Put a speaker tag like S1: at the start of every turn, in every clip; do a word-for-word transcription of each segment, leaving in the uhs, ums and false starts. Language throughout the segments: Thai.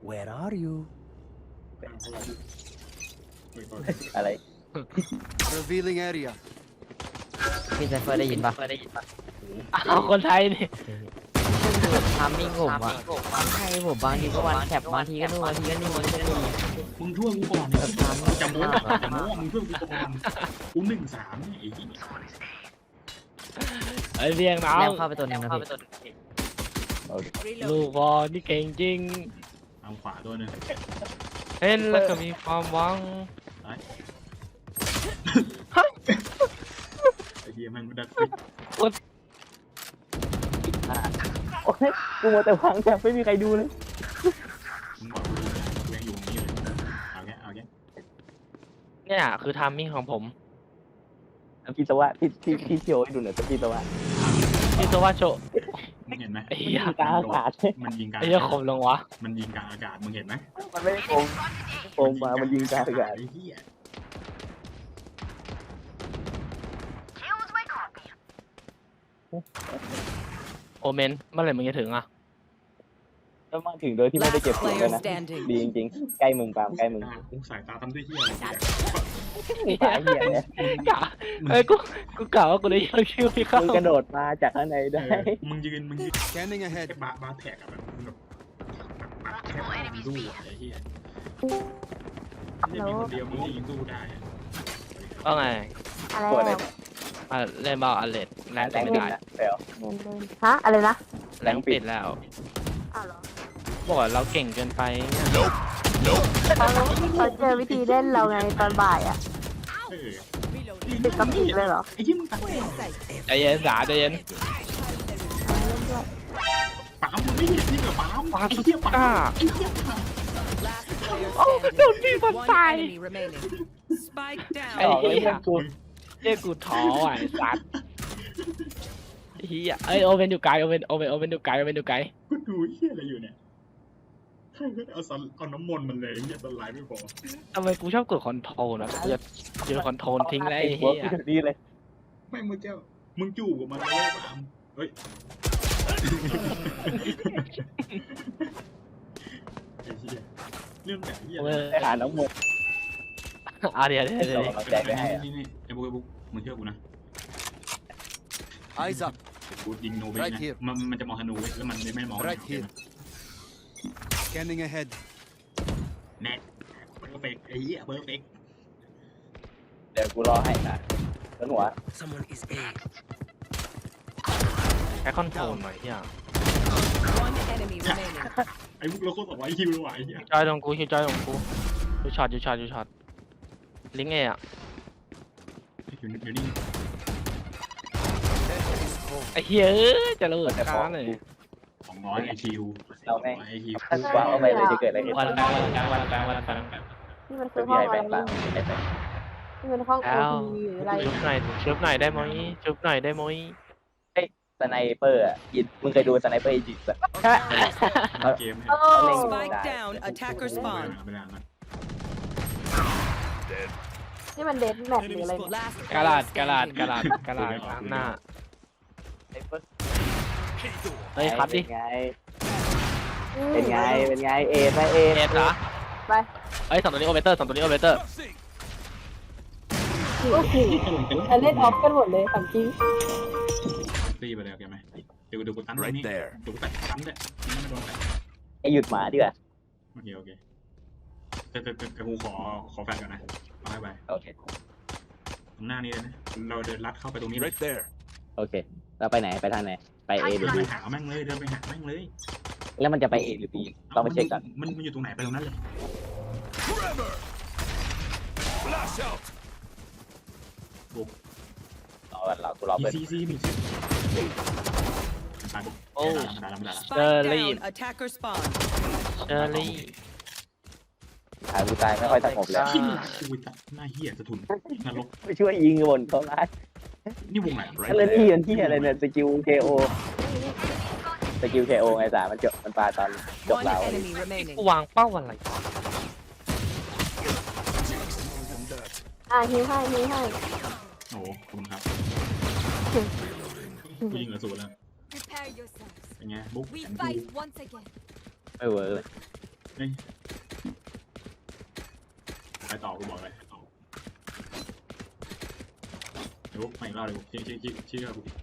S1: Where are you
S2: อะไร
S3: Revealing area.
S4: พี่ไซเฟอร์ได้ยินปะ
S5: เอาคนไทยนี่
S4: ทามมิ่งผมอะใช่ผมบางทีก็วันแคปบางทีก็นู่นบางทีก็นี่มันก็นี่
S6: มึงช่วยกูก่อนเนี่ยกูจะโม้จะโม้มึงช่วยกูก่อนกูหนึ่งสามเนี่ยไอ้ที่
S5: ไอ้เรียงน้อ
S4: แล้
S5: ง
S4: วเข้าไปตัวนึงนะพี่
S5: ลูกบอลนี่เก่งจริง
S6: เอาขวาตัวนึง
S5: เห็นแล้วก็มีความหวัง
S6: ไอ้เหี้ยมันไม่ได้
S2: โอ้ยกูมัวแต่วางแต่ไม่มีใครดูเลย
S6: มึงบอกกูกูยังอยู่ตรงนี้อยู่เลยเอาแค่เอาแค่
S5: เนี่ยคือทามมิ่งของผม
S2: พี่สวะพี่พี่พี่โชว์ให้ดูหน่อยพี่สวะ
S5: ที่ตัวว่าโช
S6: มึงเห็นไหม
S5: ไอ้เหี้ย
S2: กลางอากาศ
S6: มันยิงกลาง
S5: ไอ้เหี้ยคมลงวะ
S6: มันยิงกลางอากาศมึงเห็นไหม
S2: มันไม่ได้โกงโกงมามันยิงกลางอากาศ
S6: ไอ้เหี้ย
S5: โอเมนเมื่อไหร่มึงจะถึงอ่ะ
S2: แล้วมาถึงโดยที่ไม่ได้เก็บเสียงเลยนะดีจริงๆใกล้มึงปามใกล้มึง
S6: กูสายตาทำด้วยเหี้ยอะไรเนี่ย
S2: ตายเหี้ยเนี่ย
S5: กะเอ้ยกูกูกล่าวว่ากูได้ยังชื่อพี่เข้า
S2: มึงกระโดดมาจากข้างในได้
S6: มึงยืนมึงยืน
S3: Scanning
S6: แค่
S3: ahead.
S6: บาบาแท็กอะแบบแบบแค่มึงสู้อะไอ้เหี้ยเนี่ยมีคนเดียวมึงยิงสู้ได้
S5: ว่าไง
S7: อะไร
S2: ตัวไหน
S7: อะ
S5: อ่ะเล่นบอลอันเลดแรง
S2: แต่ง
S5: ไม่
S2: ปิด
S5: ได้
S2: นะเดี๋ยว
S7: เงินเดือนฮะอะไรนะ
S5: แรงปิดแล้ว
S7: อ้าวเหรอ
S5: บอกว่าเราเก่งเกินไปเนี่ย
S7: เขาเขาเจอวิธีเล่นเราไงตอนบ่ายอ่ะ
S6: เออ
S7: ติดกับอีกเลยเหรอ
S6: ไอ้ที่มึงตัด
S5: ใจเย็นสาใจเย็น
S6: ปั๊มมึงไม่เห็นที่เหรอปั๊ม
S5: ปา
S6: ไอ้
S5: สุ
S6: เหี้ย
S5: ด
S6: ปั๊ม
S5: ก้า
S6: ไอ้เหี้ยปั๊ม
S5: โอ้โดนพี่มันตาย
S8: Spike
S5: ไอ้
S8: down.
S2: ออกเลย
S5: เหี้ย
S2: เพื่อนกู
S5: เรียกกูท้อว่ะไอ้สัตว์เฮียเอ้ยโอเวนอยู่ไกลโอเวนโอเวนโอเวนอยู่ไกลโอเวนอยู่ไกล
S6: กูดูเหี้ยอะไรอยู่เนี่ยใครก็เอาสันเอาน้ำมนต์มันเลยไอ้เหี้ยสไลด์ไม่พอ
S5: ทำไมกูชอบกดคอนโทรลนะกูจะกูจะคอนโทรลทิ้งได้ไอ้
S2: หัว
S5: เฮีย
S2: พี่ดีเลย
S6: ไม่มึงเจ้ามึงจู่กับมันเลยปั๊มเฮ้ยไอ้เหี้ยเรื่องแบบเหี้ย
S5: เออ
S2: ไปหาน้องมด
S5: อ่ะเดี๋ยวเดี๋ยวเดี๋ยว
S2: เราเราแจกไปให้อะ
S6: นี่นี่ไอ้บุ๊กไอ้บุ๊กมึงเชื่อกูนะ
S3: Eyes up.
S6: กูยิงโนเว
S3: Right
S6: นะ
S3: here.
S6: มันมันจะมองธนูเว้ยแล้วมันไม่มอง
S3: Right here. Scanning ahead.
S6: แน่เพอร์เฟกไอ้เหี้ยเพอร์เฟก
S2: เดี๋ยวกูรอให้นะต้นหัว
S1: Someone is A
S5: แค่คอนโทรลหน่อยเฮีย
S8: One enemy remaining.
S6: ไอ้บุ๊กเราโคตรบอกว่าไอ้คิวเลยว่ะไอ้เหี้ย
S5: จอยตรงกูคิวจอยตรงกูยูช็อตยูช็อตยูช็อตลิงเออะ
S6: อยู่อยู่นี่
S5: ไอ้เฮียเอ้ยจะระเบิดกลางเลย
S6: สองร้อยไอคิว
S2: เราแม่ง
S6: ไอคิว
S2: ถ้าวางเอาไปเลยจะเกิดอะไรขึ้น
S5: วันกลางวันกลางวันกลางวันกลาง
S7: นี่มันคื
S2: เป็
S7: อน ห้
S2: พี่
S7: อง
S2: ไอ้
S7: อะ
S2: แบ
S7: ไรง
S2: ค์
S7: นี่
S2: บ้างไอ้แบงค์
S7: นี่มันห้องโอ
S5: แล้ว
S7: ทีหรืออะไร
S5: ชุบหน่อยชุบหน่อยได้ไหมชุบหน่อยได้ไหม
S2: สไนเปอร์อ่ะยิงมึงเคยดูสไนเปอร์อีจิปต์ป่ะ
S6: เกมเนี่ย
S7: โอ้
S8: Spike down. Attacker
S6: ไม่
S8: spawn.
S6: ได้ไม่ได้นะ
S7: นี่มันเดทแมทหรืออะไรเนี่ย
S8: Last
S5: กระดาษ
S8: player
S5: กระดาษ
S8: standing.
S5: กระดาษกระดาษตามหน้า
S2: สไนเปอร์
S5: เฮ้ยคัดดิ
S2: เป็นไงเป็นไงเป็นไงเอไปเอ
S5: เอ็ดเหรอ
S7: ไป
S5: เฮ้ยสองตัวนี้โอเวอร์เตอร์สองตัวนี้โอเวอร์เตอร์
S7: โอ้โหจะเล่นออฟกันหมดเลยถามจริง
S6: ตีไปเลยโอเคไหมเดี๋ยวเดี๋ยวกูตั้นนี่เดี๋ยวกูตัดตั้นเลยไม่โดนแต่
S2: ไอหยุดหมาดีกว่า
S6: โอเคโอเคแต่แต่แต่กูขอขอแฟนก่อนนะเอาให้ไป
S2: โอเค
S6: ตรงหน้านี้เลยนะเราเดินลัดเข้าไปตรงนี้เลย
S3: Right there.
S2: โอเคเราไปไหนไปทางไหนไปเอหรื
S6: เดิ
S2: อน
S6: ไป
S2: บี
S6: หาแม่งเลยเดินไปหาแม่งเลย
S2: แล้วมันจะไปเอหรือบีต้องไปเช็คก่อน
S6: มันมันอยู่ตรงไหนไปตรงนั้นเลย
S3: Forever. Flash out.
S2: รอก่อนรอกูรอ
S6: มี
S2: เปิด
S6: ซีซีมีซี
S5: โอ้
S6: ได้ละได้ละได้ละ
S8: Spike
S5: Leave.
S8: down. Attacker spawn.
S5: เชอรี่
S2: หากูตายไม่ค่อยสงบแล้ว
S6: ที่หลังกูตัดหน้าเหี้ยสะทุนนรก
S2: ไปช่วยยิงบนเขาร้าย
S6: นี่วงไหน
S2: ถ้าเล่นที่มันที่อะไรเนี่ยสกิลเคโอสกิลเคโอไงสามันจบมันปาตอนจบ
S8: One
S2: เรา
S8: enemy remaining.
S5: กูวางเป้าอะไร
S7: อ่ะฮิวให้ฮิวให้
S6: โอ้โหขอบคุณครับกูยิงเหลือศูนย์แล้ว
S9: Prepare yourselves.
S6: เป็นไงบุ๊ก
S9: We
S6: แอน
S9: fight once again.
S2: ไม่เวิร์กเลย
S6: เฮ้ยไปต่อกูบอกเลยเดี๋ยวไปอีกรอบเลยชี้ชี้ชี้ชี้กับกู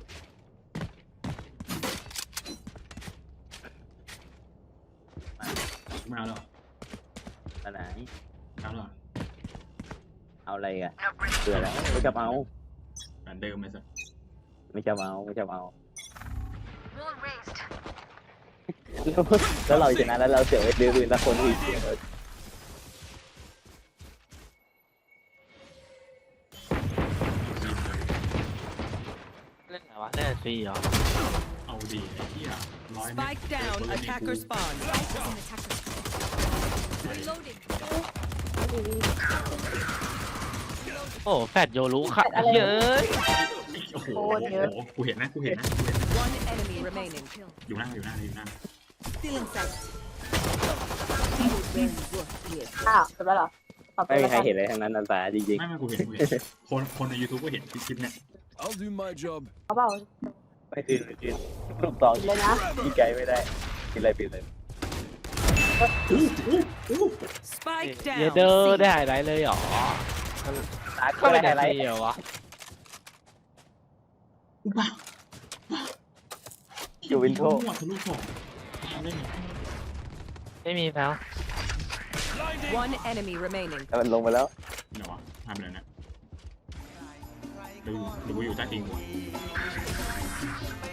S6: ไม่เอาแล้ว
S2: อันไหน
S6: เอาแล้ว
S2: เอาอะไรกันเบื่อแล้วไม่ชอบเอา
S6: เหมือนเดิมเลยสิ
S2: ไม่ชอบเอาไม่ชอบเอาแล้วเราชนะแล้วเราเสียไปดื้อๆแล้วคนอื่นเสีย
S5: เล่นไหนวะเล่นฟรีเหรอ
S6: เอาดีไอ้เหี้ยร้อยเมตร
S8: Spike down. Attacker spawn.
S5: โอ้แฟดโยรุค่ะเยอะ
S6: โอ้โหกูเห็นนะกูเห็นนะ
S8: One enemy remaining.
S6: อยู่หน้าอยู่หน้าอยู่หน้า
S8: Still inside.
S7: อ้าวจบแล้วเหรอขอบ
S2: ไม่
S7: คุณ
S2: มี
S7: แล้ว
S2: ใคร
S7: กัน
S2: เห็นเลยทั้งนั้นนันตาจริง
S6: ไม่ไม่กูเห็นกูเห็นคนคนใน YouTube ก็เห็นคลิปเนี่ย
S3: I'll do my job.
S7: เขาเปล่า
S2: ๆไม่ตื่นไม่ตื่นลูกตอง
S7: เลยนะ
S2: ยิงไกลไม่ได้กินอะไรปิดเลย
S8: Spike
S5: เย
S8: down.
S5: เดอร์
S8: C.
S5: ได้หายไรเลยเหรอ
S2: ตา
S5: ก็
S2: ก็
S5: ไม่
S2: ไม่
S5: ได้
S2: ได้อะไร
S5: ฟรีเหรอวะ
S6: บ้า
S2: อยู่วินโทร
S6: มั่วทะลุถอกเล่น
S5: ไม่มีแล้ว
S8: One enemy remaining.
S2: แต่มันลงไปแล้ว
S6: เดี๋ยววะทำอะไรนะดูดูอยู่ใต้ตีนหัว